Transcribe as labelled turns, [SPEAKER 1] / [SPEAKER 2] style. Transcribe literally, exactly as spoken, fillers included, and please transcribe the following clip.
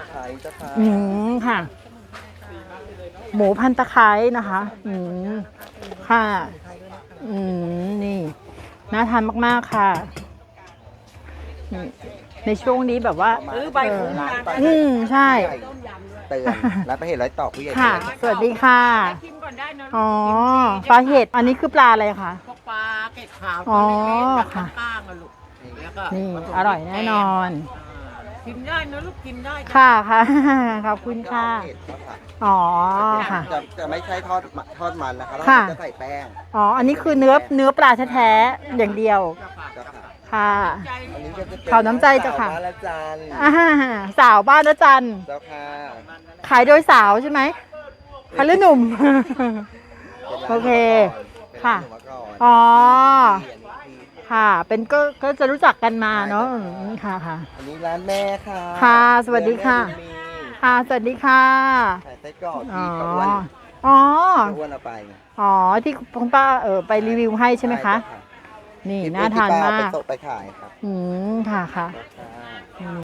[SPEAKER 1] ไคร้เจ้าค่ะ
[SPEAKER 2] อืมค่ะ หมูพันตะไคร้นะคะ อืมค่ะ อืมนี่น่าทานมากๆค่ะอืมในช่วงนี้แบบว่า
[SPEAKER 1] ซื้อใบคุ้มนะ
[SPEAKER 2] อืมใช่
[SPEAKER 1] เตือนร้านประเห็ดร้อยตอกผู้ใหญ่
[SPEAKER 2] ค่ะ
[SPEAKER 1] เตือน
[SPEAKER 2] สวัสดีค่ะ
[SPEAKER 3] ชิมก่อนได้นะ
[SPEAKER 2] อ๋อปลาเห็ดอันนี้คือปลาอะไรคะ
[SPEAKER 3] พวกปลาเกล็ดขาว
[SPEAKER 2] อ๋
[SPEAKER 3] ตัว
[SPEAKER 2] อ
[SPEAKER 3] เล็กๆแบบ
[SPEAKER 2] ค่ะ
[SPEAKER 3] ก้างๆอะลูกแล้วก็
[SPEAKER 2] นี่
[SPEAKER 3] ผสม
[SPEAKER 2] อร่อยแน่นอน
[SPEAKER 3] ชิมได้นะลูกชิมได้จ้ะ
[SPEAKER 2] ค่ะค่ะ ขอบคุณค่ะ
[SPEAKER 1] เผ็ดครับค่ะ
[SPEAKER 2] อ๋อค่ะ
[SPEAKER 1] จะจะไม่ใช่ทอดมันทอดมันนะคะแล้ว
[SPEAKER 2] ค่ะ
[SPEAKER 1] จะใส่แป้ง
[SPEAKER 2] อ๋อ อันนี้คือเนื้อเนื้อปลาแท้ๆอย่างเดียว
[SPEAKER 1] เจ้าค่ะ
[SPEAKER 2] ค่ะ
[SPEAKER 3] ใจ
[SPEAKER 1] อันนี้ก็จะเป็น
[SPEAKER 2] ขาวน้ำใจเจ้าค่ะ
[SPEAKER 1] สวบ้านละจัน
[SPEAKER 2] อ่าสาวบ้านนะจัน
[SPEAKER 1] เจ้าค่ะ
[SPEAKER 2] ขายโดยสาวใช่ไหมขายหรือหนุ่ม โอเคค่ะ อ๋อ ค่ะ เป็นก็ก็จะรู้จักกันมาเนาะอืมค่ะค่ะ
[SPEAKER 1] อันนี้ร้านแม่ค่ะ
[SPEAKER 2] ค่ะสวัสดีค่ะ
[SPEAKER 1] แม่บุญมี
[SPEAKER 2] ค่ะ สวัสดีค่ะ
[SPEAKER 1] ขายไส้กรอก
[SPEAKER 2] อ๋อ
[SPEAKER 1] ที่ป้าอ้วน
[SPEAKER 2] อ๋อ
[SPEAKER 1] ป้าอ้วนเอาไป
[SPEAKER 2] อ๋อ ที่คุณป้าเออไปรีวิวให้ใช่ไหมคะ
[SPEAKER 1] เจ้า
[SPEAKER 2] นี่
[SPEAKER 1] ที่
[SPEAKER 2] น่าทาน
[SPEAKER 1] ที่ป้
[SPEAKER 2] มา
[SPEAKER 1] ไป
[SPEAKER 2] ก
[SPEAKER 1] ส่งไปขายครับ
[SPEAKER 2] อืม ค่ะค่ะ
[SPEAKER 1] เจ้าค่ะ